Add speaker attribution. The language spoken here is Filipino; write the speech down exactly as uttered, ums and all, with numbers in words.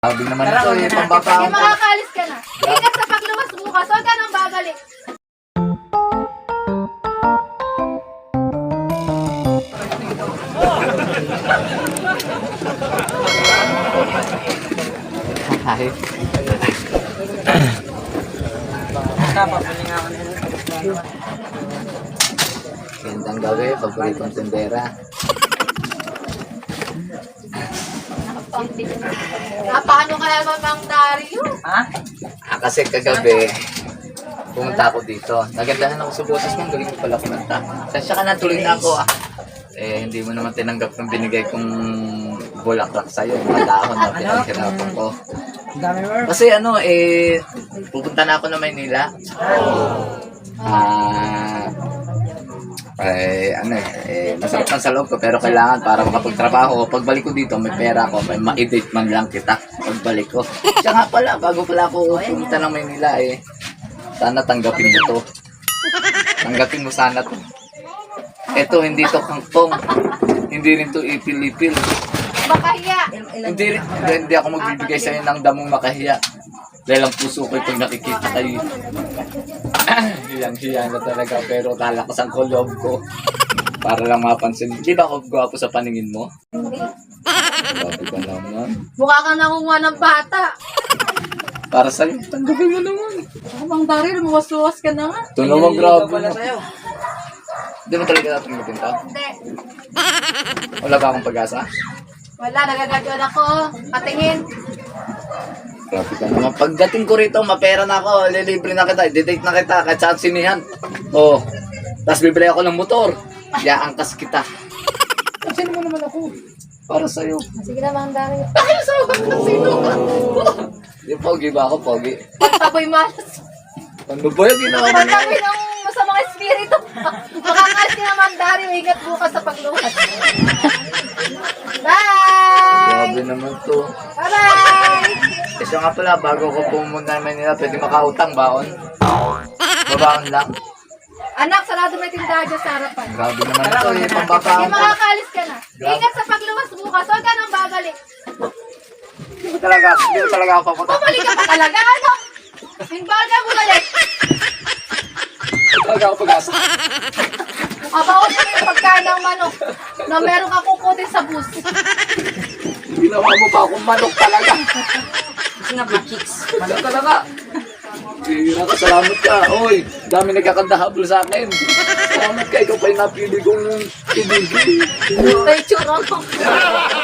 Speaker 1: Sabi naman
Speaker 2: Tara,
Speaker 1: ito
Speaker 2: wag
Speaker 1: eh,
Speaker 2: na natin.
Speaker 1: pambata
Speaker 3: Hindi makakaalis ka na. Ingat sa pagluwas bukas. Huwag ka nang babalik.
Speaker 1: Ay.
Speaker 2: Kapapili nga ako nila.
Speaker 1: Gandang gabi, paboritong tindera.
Speaker 3: Ah, paano kaya Mang Dario?
Speaker 2: Ha?
Speaker 1: Ah, kasi kagabi, pumunta ako dito. Nagandahan ako sa boses mo, galing ko pala kumanta. Sasya ka na, tuloy na ako ah. Eh, hindi mo naman tinanggap ng binigay kong bulaklak sa'yo, mga dahon na pinaghirapan ko.
Speaker 2: Ang dami mo.
Speaker 1: Kasi ano, eh, pupunta na ako na Maynila. Ah, eh, ano eh, eh, masarap lang sa loob ko, pero kailangan para makapagtrabaho ko. Pagbalik ko dito, may pera ko, may ma-edit man lang kita pagbalik ko. Siya nga pala, bago pala ako pumunta ng Maynila eh, sana tanggapin mo to. Tanggapin mo sana to. Ito, hindi to kangkong. Hindi rin to ipil-ipil.
Speaker 3: Makahiya.
Speaker 1: Hindi, rin- hindi, hindi ako magbibigay sa'yo ng damong makahiya. Dahil ang puso ko pag nakikita kayo. Hiyang-hiya na talaga, pero kalakasan ko loob ko. Para lang mapansin. Di ba ako gwapo sa paningin mo? Gwapo ka naman.
Speaker 3: Mukha kang nangunguha ng bata.
Speaker 1: Para sa'yo, tanggapin mo naman.
Speaker 3: Oh, Mang Dario, lumuwas-luwas ka na nga.
Speaker 1: Ito naman, grabe
Speaker 2: pala
Speaker 1: mo.
Speaker 2: sa'yo.
Speaker 1: Hindi mo talaga natanggapin to?
Speaker 3: Hindi.
Speaker 1: Wala ba akong pag-asa?
Speaker 3: Wala, nagagadyon ako. Patingin.
Speaker 1: Grabe ka naman. Pagdating ko rito, mapera na ako. Lilibre na kita. Didate na kita. Kahit saan sinihan. Oo. Oh. Tapos bibili ako ng motor. Yaangkas kita. Kasi mo naman ako. Para sa'yo.
Speaker 3: Sige na, Mang Dario.
Speaker 1: Ay, sa ako sino? Yung pogi ba ako, pogi?
Speaker 3: Pagtaboy malas.
Speaker 1: Ano ba yung ginawa mo na?
Speaker 3: Pagtaboy ng masamang espiritu. Makakalis ka na, Mang Dario. Ingat bukas sa pagluwas. Bye!
Speaker 1: Grabe naman to.
Speaker 3: Bye-bye!
Speaker 1: Kasi nga pala, bago ko pumunta naman nila, pwede makautang baon. Babaon lang.
Speaker 3: Anak, sarado may tindahan dyan sa harapan.
Speaker 1: Grabe naman
Speaker 2: Tara,
Speaker 1: to
Speaker 2: wag
Speaker 1: eh,
Speaker 2: na natin.
Speaker 1: pambata
Speaker 3: Hindi
Speaker 1: ako.
Speaker 3: makakaalis ka na. Ingat sa pagluwas bukas. Huwag ka nang babalik.
Speaker 1: Hindi ko talaga, hindi ko talaga ako papunta.
Speaker 3: Bumalik ka pa talaga, ano? Hinbal ka bumalik.
Speaker 1: Hindi talaga ako pag-asa.
Speaker 3: Abaon mo yung pagkain ng manok na meron ka kukutin sa bus.
Speaker 1: Ginawa mo pa akong manok talaga.
Speaker 2: Kasi nga black chicks.
Speaker 1: Manok talaga. Bira ka, salamat ka. Oy, dami nagkakandahabol sa akin. Salamat ka, ikaw pa yung napili kong ibigay.
Speaker 3: May tsura mo.